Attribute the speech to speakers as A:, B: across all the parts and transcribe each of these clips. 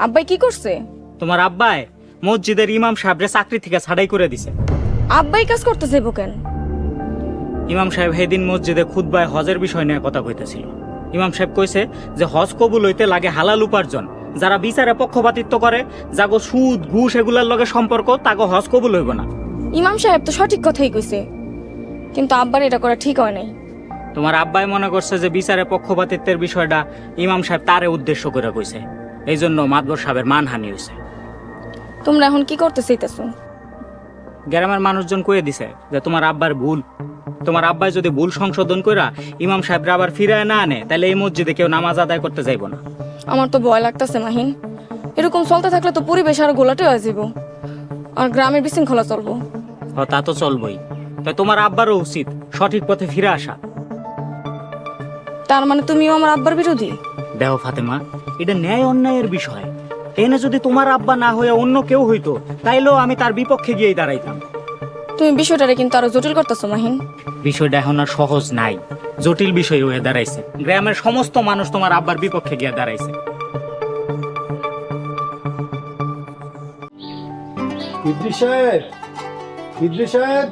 A: আব্বাই কি করছে?
B: তোমার আব্বাই মসজিদের ইমাম সাহেবরে চাকরি থেকে ছাড়াই করে দিছে।
A: আব্বাই কাজ করতে যাইব কেন?
B: ইমাম সাহেব সেদিন মসজিদে খুতবায় হজের বিষয় নিয়ে কথা কইতেছিল। ইমাম সাহেব কইছে যে হজ কবুল হইতে লাগে হালাল উপার্জন। যারা বিচারে পক্ষপাতিত্ব করে, যাগো সুদ ঘুষ এগুলার লগে সম্পর্ক, তাগো হজ কবুল হইব না।
A: ইমাম সাহেব তো সঠিক কথাই কইছে, কিন্তু আব্বার এটা করা ঠিক হয় নাই।
B: তোমার আব্বাই মনে করছে যে বিচারে পক্ষপাতিত্বের বিষয়টা ইমাম সাহেব তারে উদ্দেশ্য করে কইছে, এই জন্য মাতবর সাহেবের মানহানি হয়েছে।
A: তোমরা এখন কি করতে চাইতেছো?
B: গ্রামের মানুষজন কয়ে দিছে যে তোমার আব্বার ভুল। তোমার আব্বাই যদি ভুল সংশোধন কইরা ইমাম সাহেবরা আবার ফিরায় না আনে, তাহলে এই মসজিদে কেউ নামাজ আদায় করতে যাইব না।
A: আমার তো ভয় লাগতেছে মাহিন, এরকম চলতে থাকলে তো পরিবেশ আরো গোলাটে হয়ে যাব, আর গ্রামের বিশৃঙ্খলা চলবো।
B: তা তো চলবই, তাই তোমার আব্বারও উচিত সঠিক পথে ফিরে আসা।
A: তার মানে তুমিও আমার আব্বার বিরোধী?
B: দেখো ফাতেমা, এটা ন্যায় অন্যায়ের বিষয়। এনে যদি তোমার আব্বা না হয়ে অন্য কেউ হইতো, তাইলেও আমি তার বিপক্ষে গিয়েই দাঁড়াইতাম।
A: তুমি বিষয়টারে কিন্তু আরো জটিল করতেছো মাহিন।
B: বিষয়টা এখন আর সহজ নাই, জটিল বিষয় হয়ে দাঁড়াইছে। গ্রামের সমস্ত মানুষ তোমার আব্বার বিপক্ষে গিয়ে দাঁড়াইছে।
C: ইদ্রিস সাহেব, ইদ্রিস সাহেব।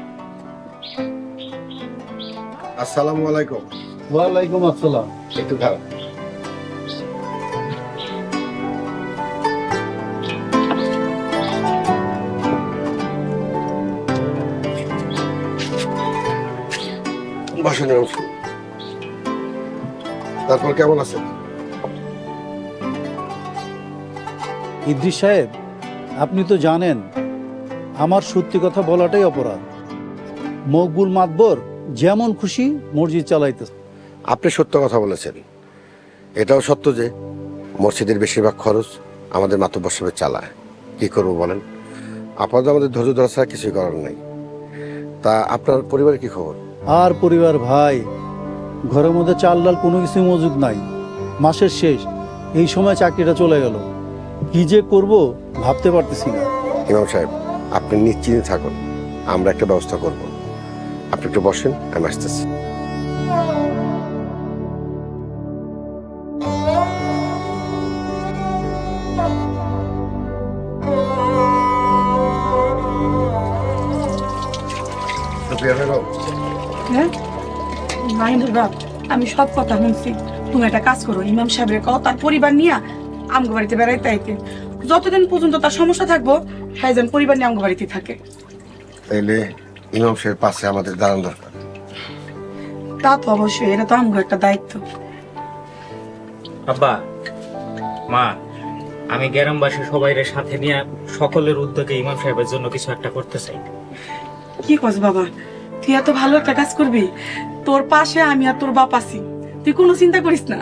D: আসসালামু আলাইকুম।
C: ওয়ালাইকুম আসসালাম।
D: একটু খারাপ। বসেন। তারপর কেমন আছেন?
C: ইদ্রিস সাহেব, আপনি তো জানেন আমার সত্যি কথা বলাটাই অপরাধ। মকবুল মাতবর যেমন খুশি মসজিদ চালাইতেছে।
D: আপনি সত্য কথা বলেছেন। এটাও সত্য যে মসজিদের বেশিরভাগ খরচ আমাদের মাতব্বর সাহেব চালায়। কি করবো বলেন, আপাতত আমাদের ধৈর্য ধরা ছাড়া কিছুই করার নেই। তা আপনার পরিবারের কি খবর?
C: আর পরিবার ভাই, ঘরের মধ্যে চাল ডাল কোনো কিছু মজুদ নাই। মাসের শেষ, এই সময় চাকরিটা চলে গেল, কি যে করব ভাবতে পারতেছি না।
D: ইমাম সাহেব, আপনি নিশ্চিন্তে থাকুন, আমরা একটা ব্যবস্থা করব। আপনি একটু বসেন, আমি আসতেছি।
E: হ্যাঁ মাহিনুর বাপ, আমি সব কথা শুনছি। তুমি একটা কাজ করো, ইমাম সাহেবের কও তার পরিবার নিয়ে আমগো বাড়িতে বেড়াইতে আইতে। যতদিন পর্যন্ত তার সমস্যা থাকবো, তাই যেন পরিবার নিয়ে আমগো বাড়িতে থাকে।
D: তাইলে ইমাম সাহেবের পাশে আমাদের দাঁড়ানো দরকার।
E: তা তো অবশ্যই, এটা তো আমগো একটা দায়িত্ব।
B: আব্বা, মা, আমি গ্রামবাসী সবাইয়ের সাথে নিয়ে সকলের উদ্যোগে ইমাম সাহেবের জন্য কিছু একটা করতে চাই।
E: কি কস বাবা, তুই এত ভালো একটা কাজ করবি, তোর পাশে আমি আর তোর বাপ আছি, তুই কোনো চিন্তা করিস না।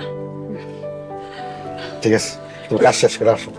D: ঠিক আছে, তুমি কাজ শেষ করে আসো।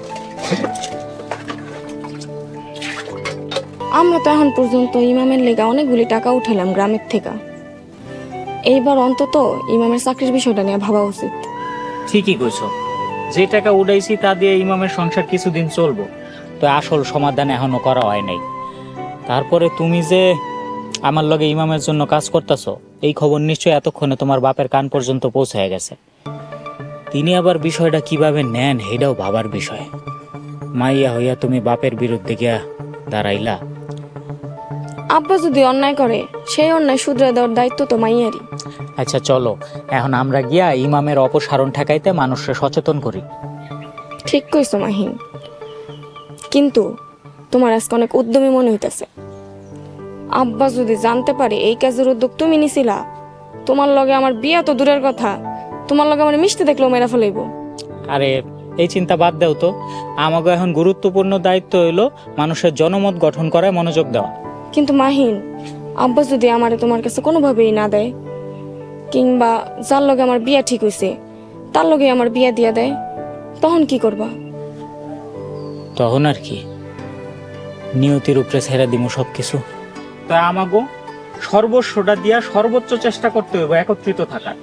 A: আমরা তো এখন পর্যন্ত ইমামের লেগা অনেকগুলি টাকা উঠালাম গ্রামের থেকে। এইবার অন্তত ইমামের চাকরির বিষয়টা নিয়ে ভাবা উচিত।
B: ঠিকই কইছো, যে টাকা উড়াইছি তা দিয়ে ইমামের সংসার কিছুদিন চলবো, তো আসল সমাধান এখনো করা হয় নাই। তারপরে তুমি যে আমার লগে ইমামের জন্য কাজ করতেছো, এই খবর নিশ্চয়ই এতক্ষণে তোমার বাপের কান পর্যন্ত পৌঁছে গেছে। তিনি আবার বিষয়টা কিভাবে নেন এটাও ভাবার বিষয়। মাইয়া হইয়া তুমি বাপের বিরুদ্ধে গিয়া দাঁড়াইলা।
A: আব্বা যদি অন্যায় করে, সেই অন্যায় শুধরে দেওয়ার দায়িত্ব তো মাইয়ারই।
B: আচ্ছা চলো, এখন আমরা গিয়া ইমামের অপসারণ ঠেকাইতে মানুষকে সচেতন করি।
A: ঠিক কইছো মাহিন, কিন্তু তোমার আজকে অনেক উদ্যমী মনে হইতেছে। আব্বা যদি জানতে পারে এই কাজের উদ্যোগ তুমি নিছিলা, তোমার লগে আমার বিয়া তো দূরের কথা, তোমার লগে আমার মিশতে দেখলেও মেরা ফেলাইব।
B: আরে এই চিন্তা বাদ দাও তো, আমাকে এখন গুরুত্বপূর্ণ দায়িত্ব হইলো মানুষের জনমত গঠন করায় মনোযোগ দেওয়া।
A: কিন্তু মাহিন, আব্বা যদি আমারে তোমার কাছে কোনোভাবেই না দেয়, কিংবা যার লগে আমার বিয়া ঠিক হইছে তার লগে আমার বিয়া দিয়া দেয়, তখন কি করবা?
B: তখন আর কি, নিয়তির উপরে ছেড়ে দিব সবকিছু। তা আমাগো সর্বস্বটা দিয়া সর্বোচ্চ চেষ্টা করতে হইব একত্রিত থাকার।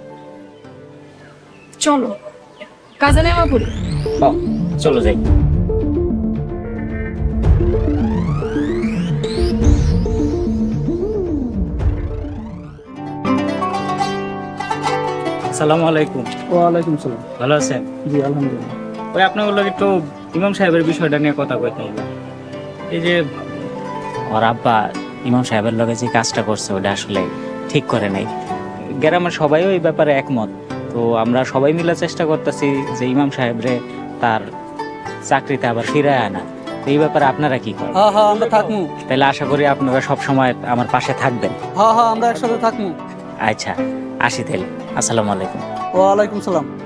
A: চলো কাজে নেওয়া পড়ি।
B: চলো যাই। আসসালামু আলাইকুম।
C: ওয়ালাইকুম সালাম।
B: ভালো আছেন?
C: জি আলহামদুলিল্লাহ।
B: ওই আপনার লগে একটু ইমাম সাহেবের বিষয়টা নিয়ে কথা কইতে হবে। এই যে ওর আব্বা ইমাম সাহেবের লগে যে কাজটা করছে ওটা আসলে ঠিক করে নাই। গ্রামের সবাইও এই ব্যাপারে একমত। তো আমরা সবাই মিলে চেষ্টা করতেছি যে ইমাম সাহেবরে তার চাকরিতে আবার ফিরায় আনা। তো এই ব্যাপারে আপনারা কি করেন?
F: হ্যাঁ হ্যাঁ আমরা থাকমু।
B: তাহলে আশা করি আপনারা সব সময় আমার পাশে থাকবেন।
F: হ্যাঁ হ্যাঁ আমরা একসাথে থাকমু।
B: আচ্ছা, আসি তাহলে। আসসালামু আলাইকুম।
F: ওয়ালাইকুম সালাম।